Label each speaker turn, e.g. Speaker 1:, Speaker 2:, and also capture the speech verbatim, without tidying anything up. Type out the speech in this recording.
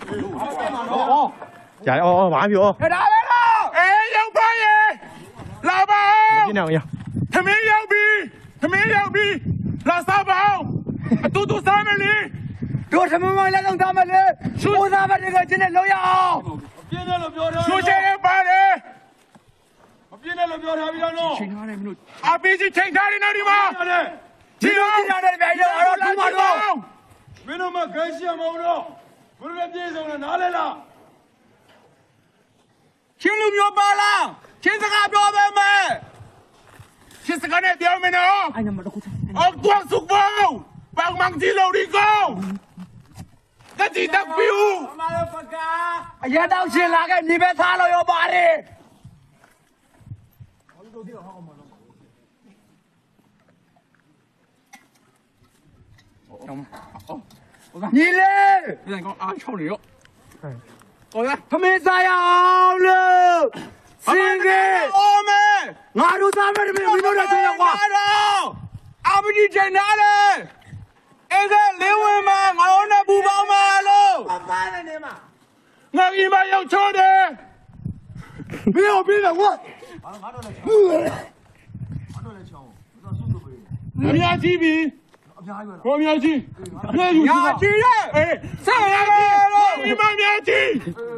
Speaker 1: ကြာအော်အော်ဘာပြော
Speaker 2: ဒါပဲလားအေးရောက်ပါရဲ့လာပါ
Speaker 1: ပြင်းနေအောင်ရ
Speaker 2: သမင်းရောက်ပြီသမင်းရောက်ပြီလာစားပါအတူတူစားမယ်လေတို့သမင်းမလည်းတော့စားမယ်လေရှူစားပါတကယ်ချင်းနဲ့လောက်ရအောင်ပြင်းတယ်လို့ပြောထားရှူချင်ပါတယ်မပြင်းတယ်လို့ပြောထားပြီးတော့နော်ချိန်ထားတယ်မင်းတို့အပီးကြီးချိန်ထားတယ်နော်ဒီမှာဒီလိုကြည့်ရတယ်ဗျာတော့တော့ထူမှာတော့မင်းတို့မခိုင်းရှင်းမဟုတ်တော့ဘယ်လိုပြေဆုံးလဲနားလဲလားချင်းလူမျိုးပါလားချင်းစကားပြောပဲမယ်ချင်းစကားနဲ့ပြောမယ်နော်အဲ့နမတော့အော်ကွာစုပေါပန်းမန်တီလိုရီကိုတတိတက်ပြူအမရပကအရတောက်ရှင်လာခဲ့မြေပဲသားလို့ရောပါတယ်ညီလေးပြန်ကောင်းအားချုံနေရောဟုတ်ရဖမေးစားရအောင်လို့စင်ကြီးအိုးမဲငါတို့သားမယ်မင်းတို့တော့ချင်းကွာအမဒီချိန်နာလေအဲ့ဒါလေးဝင်မှာငါတို့နဲ့ပူပေါင်းမှာလို့ပပနဲ့နေမှာငါကြီးမရောက်ချောတယ်ဘယ်လိုပြီးလဲကွာငါတို့လည်းချောငါတို့လည်းချောတော့ဆုလို့ပဲအများကြီးပြီအများကြီးပဲဟိုအများကြီးအများကြီးညာကြီးရဲ့အေးဆက်ရမယ်လို့ဒီမများကြီး